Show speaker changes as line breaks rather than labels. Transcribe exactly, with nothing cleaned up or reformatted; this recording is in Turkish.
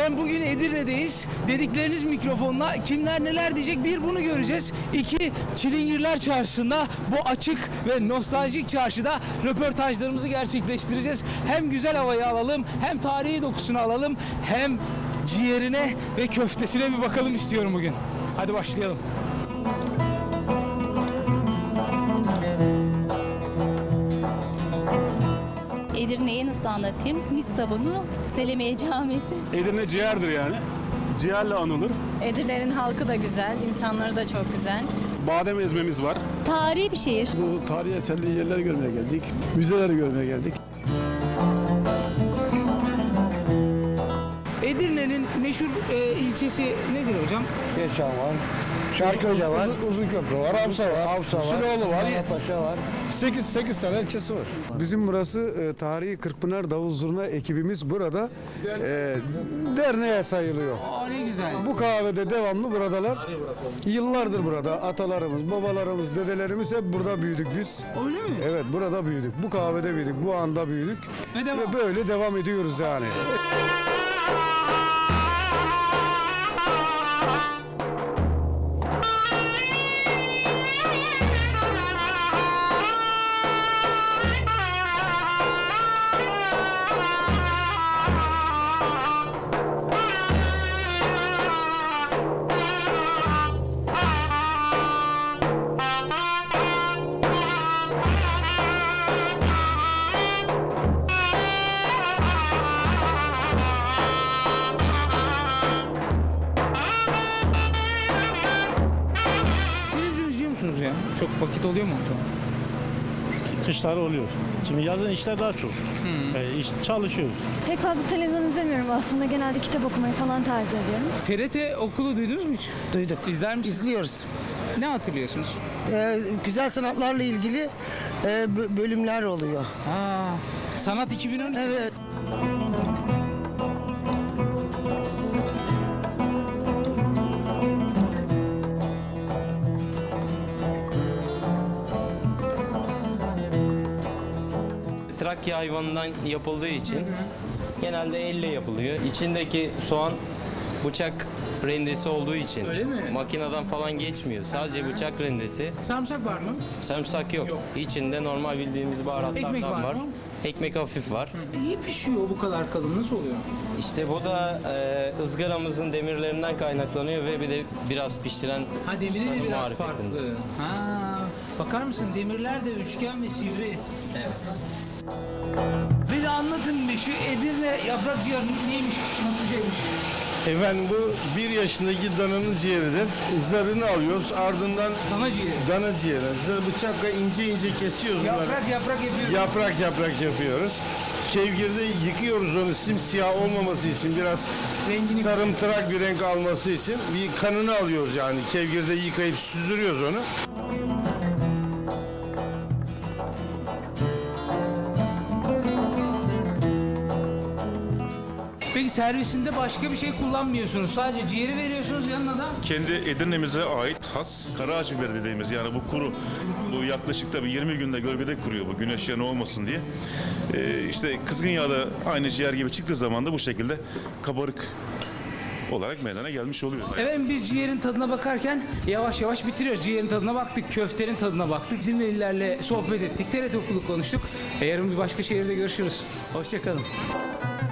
Efendim bugün Edirne'deyiz. Dedikleriniz mikrofonla kimler neler diyecek, bir bunu göreceğiz. İki, Çilingirler Çarşısı'nda, bu açık ve nostaljik çarşıda röportajlarımızı gerçekleştireceğiz. Hem güzel havayı alalım, hem tarihi dokusunu alalım, hem ciğerine ve köftesine bir bakalım istiyorum bugün. Hadi başlayalım.
Edirne'yi nasıl anlatayım? Mis sabunu, Selimiye Camisi.
Edirne ciğerdir yani. Ciğerle anılır.
Edirne'nin halkı da güzel, insanları da çok güzel.
Badem ezmemiz var.
Tarihi bir şehir.
Bu tarihi eserli yerleri görmeye geldik. Müzeleri görmeye geldik.
Edirne'nin meşhur e, ilçesi nedir hocam?
Keşan var. Çarköy'de var.
Uzun, uzun köprü var, Avsa var,
Avsa var.
Süloğlu var.
Paşa var.
sekiz sekiz tane ilçesi var.
Bizim burası e, tarihi Kırkpınar Davul Zurna ekibimiz burada e, derneğe sayılıyor.
Aa, ne güzel.
Bu kahvede devamlı buradalar. Yıllardır burada atalarımız, babalarımız, dedelerimiz hep burada büyüdük biz.
Öyle mi?
Evet, burada büyüdük. Bu kahvede büyüdük. Bu anda büyüdük.
Ve devam.
Ve böyle devam ediyoruz yani.
Televizyon izliyor musunuz ya? Çok vakit oluyor mu hocam?
Kışlar oluyor. Şimdi yazın işler daha çok. E, iş, çalışıyoruz.
Pek fazla televizyon izlemiyorum aslında. Genelde kitap okumayı falan tercih ediyorum.
T R T Okulu duydunuz mu hiç?
Duyduk.
İzler misiniz?
İzliyoruz.
Ne hatırlıyorsunuz?
Ee, güzel sanatlarla ilgili e, bö- bölümler oluyor.
Aa, Sanat iki bin on iki.
Evet.
Trakya hayvanından yapıldığı için genelde elle yapılıyor. İçindeki soğan bıçak rendesi olduğu için
Öyle mi?
makineden falan geçmiyor. Sadece bıçak rendesi.
Sarımsak var mı?
Sarımsak yok. İçinde normal bildiğimiz baharatlardan
Ekmek var
var.
mı?
Ekmek hafif var.
İyi pişiyor bu kadar kalın. Nasıl oluyor?
İşte bu da e, ızgaramızın demirlerinden kaynaklanıyor ve bir de biraz pişiren
Ha, demiri de
ustanın
biraz
marifetinde.
farklı. Ha, bakar mısın, demirler de üçgen ve sivri. Evet. Bir de anlatın bir şu Edirne yaprak ciğeri neymiş, nasıl bir şeymiş?
Efendim bu bir yaşındaki dananın ciğeridir. Zarını alıyoruz, ardından
Dana ciğeri.
dana ciğeri. Zar bıçakla ince ince kesiyoruz bunları.
Yaprak yaprak yapıyoruz.
Yaprak yaprak yapıyoruz. Kevgirde yıkıyoruz onu simsiyah olmaması için, biraz
Rengini-
sarımtırak bir renk alması için bir kanını alıyoruz yani. Kevgirde yıkayıp süzdürüyoruz onu.
Peki servisinde başka bir şey kullanmıyorsunuz. Sadece ciğeri veriyorsunuz yanına da.
Kendi Edirne'mize ait has karaağaç biberi dediğimiz, yani bu kuru, bu yaklaşık tabii yirmi günde gölgede kuruyor, bu güneş yanı olmasın diye. Ee, işte kızgın yağda aynı ciğer gibi çıktığı zaman da bu şekilde kabarık olarak meydana gelmiş oluyor.
Evet, biz ciğerin tadına bakarken yavaş yavaş bitiriyoruz. Ciğerin tadına baktık, köftenin tadına baktık. Dinleyicilerle sohbet ettik, T R T Okulu konuştuk. E, yarın bir başka şehirde görüşürüz. Hoşça kalın.